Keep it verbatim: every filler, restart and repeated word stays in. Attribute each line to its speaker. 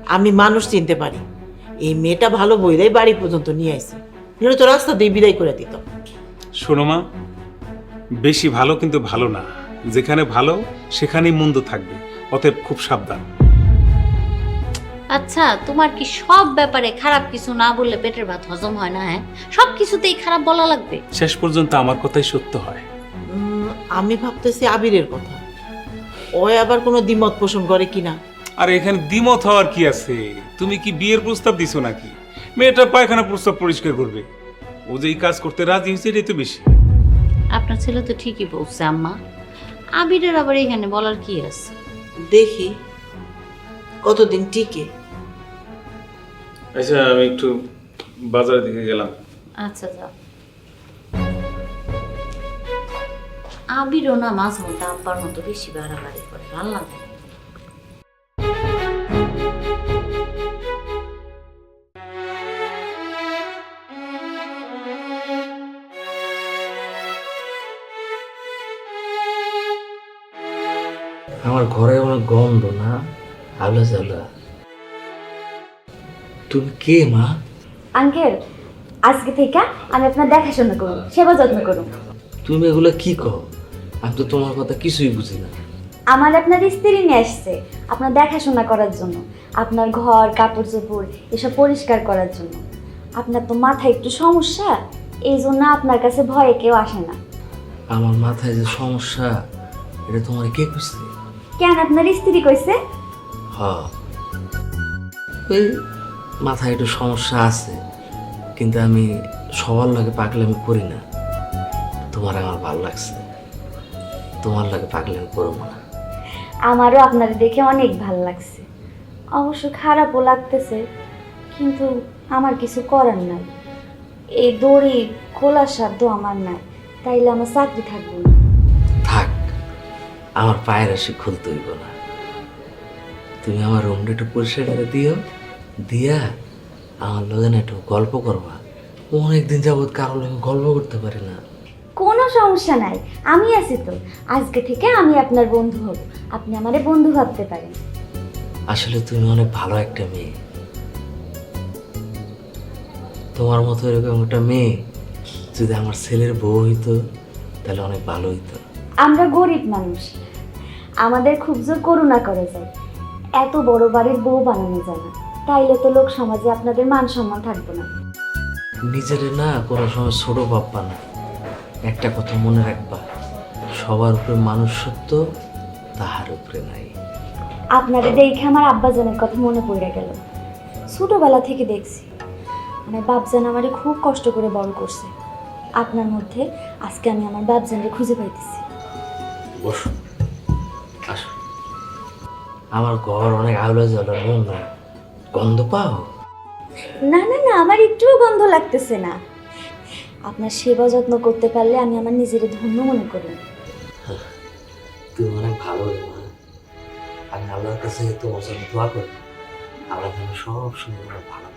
Speaker 1: আমি মানুষ চিনতে পারি। এই মেয়েটা ভালো বইরাই বাড়ি পর্যন্ত নিয়ে আইছে, নিলে তো রাস্তা দিয়ে বিদায় করে দিত।
Speaker 2: শোনো মা, বেশি ভালো কিন্তু ভালো না। যেখানে ভালো সেখানেই মন্দ থাকবে, অতএব খুব সাবধান।
Speaker 3: আচ্ছা, তোমার কি সব ব্যাপারে খারাপ কিছু না বললে পেটের ভাত হজম হয় না? হ্যাঁ, সব কিছুতেই খারাপ বলা লাগবে?
Speaker 2: শেষ পর্যন্ত আমার কথাই সত্য হয়।
Speaker 1: উম, আমি ভাবতেছি আবিরের কথা, ও আবার কোনো দ্বিমত পোষণ করে কিনা।
Speaker 2: আর এখানে দ্বিমত হওয়ার কি আছে? তুমি কি বিয়ের প্রস্তাব দিছো নাকি? মেয়েটা পায়খানা প্রস্তাব পরিষ্কার করবে, ও যে এই কাজ করতে রাজি হয়েছে এটাই তো বেশি।
Speaker 3: আপনার ছেলে তো ঠিকই বলছে আম্মা, আবিরের আবার এখানে বলার কি আছে?
Speaker 1: দেখি কতদিন টিকে।
Speaker 2: আচ্ছা, আমি একটু বাজারের দিকে গেলাম।
Speaker 3: আচ্ছা যাও। আবিরও না মাঝে মধ্যে আব্বার মতো বেশি বাড়াবাড়ি করে, ভালো লাগে না।
Speaker 4: আমার ঘরে অনেক গন্ধ না, আলো জ্বালা। তুমি কে মা?
Speaker 5: আঙ্কেল, আজকে থেকে আমি আপনার দেখাশোনা করুন, সেবা যত্ন করুন।
Speaker 4: তুমি এগুলো কি কও? আমি তো তোমার কথা কিছুই বুঝি না।
Speaker 5: আমার আপনার স্ত্রী নিয়ে আসছে আপনার দেখাশোনা করার জন্য, আপনার ঘর কাপড় চোপড় এসব পরিষ্কার করার জন্য। আপনার তো মাথায় একটু সমস্যা, এই জন্য আপনার কাছে ভয়ে কেউ আসে না।
Speaker 4: আমার মাথায় যে সমস্যা, এটা তোমার কে কইছে?
Speaker 5: কেন, আপনার স্ত্রী কইছে?
Speaker 4: হ, ওই মাথায় একটু সমস্যা আছে, কিন্তু আমি সবার লাগে পাগলামি করি না। তোমার আমার ভালো লাগছে, তোমার লাগে পাগলামি করবো না।
Speaker 5: আমারও আপনার দেখে অনেক ভালো লাগছে, অবশ্য খারাপও লাগতেছে, কিন্তু আমার কিছু করার নাই। এই দড়ি খোলার সাধ্য আমার নাই, তাইলে আমার চাকরি থাকবে না।
Speaker 4: থাক, আমার পায়ের আসি খুলতে হইব না। তুমি আমার রুমটা একটু পরিষ্কার করে দিও, দিয়া আমার লগে না একটু গল্প করবা। অনেকদিন যাবৎ কারোর লগে গল্প করতে পারি না।
Speaker 5: কোনো সমস্যা নাই, আমি আছি তো। আজকে থেকে আমি আপনার বন্ধু হব, আপনি আমারে বন্ধু ভাবতে পারেন।
Speaker 4: আসলে তুমি অনেক ভালো একটা মেয়ে। তোমার মতো এরকম একটা মেয়ে যদি আমার ছেলের বউ হইতো তাহলে অনেক ভালো হইতো।
Speaker 5: আমরা গরিব মানুষ, আমাদের খুব জোর করুণা করে যায়, এত বড় বাড়ির বউ বানানো যায় না, তাইলে তো লোক সমাজে আপনাদের মান সম্মান থাকবে না।
Speaker 4: নিজের না কোনো সময় ছোট ভাববা না। একটা কথা মনে রাখবা, সবার উপরে মানুষ সত্য, তাহার উপরে নাই।
Speaker 5: আপনাদের দেখে আমার আব্বাজানের কথা মনে পড়ে গেল। ছোটবেলা থেকে দেখছি আমার বাপজান আমারে খুব কষ্ট করে বড় করছে। আপনার মধ্যে আজকে আমি আমার বাপজানকে খুঁজে পাইতেছি।
Speaker 4: বসো, আসো। আমার ঘর অনেক আলো জ্বলা, মন না গন্ধ পাও?
Speaker 5: না না না, আমার একটুও গন্ধ লাগতেছে না। আপনার সেবা যত্ন করতে পারলে আমি আমার নিজের ধন্য মনে করি।
Speaker 4: তুমি অনেক ভালো রে মা। আমি আল্লাহর কাছে তোমার জন্য দোয়া করি, আল্লাহ যেন সব সময় ভালো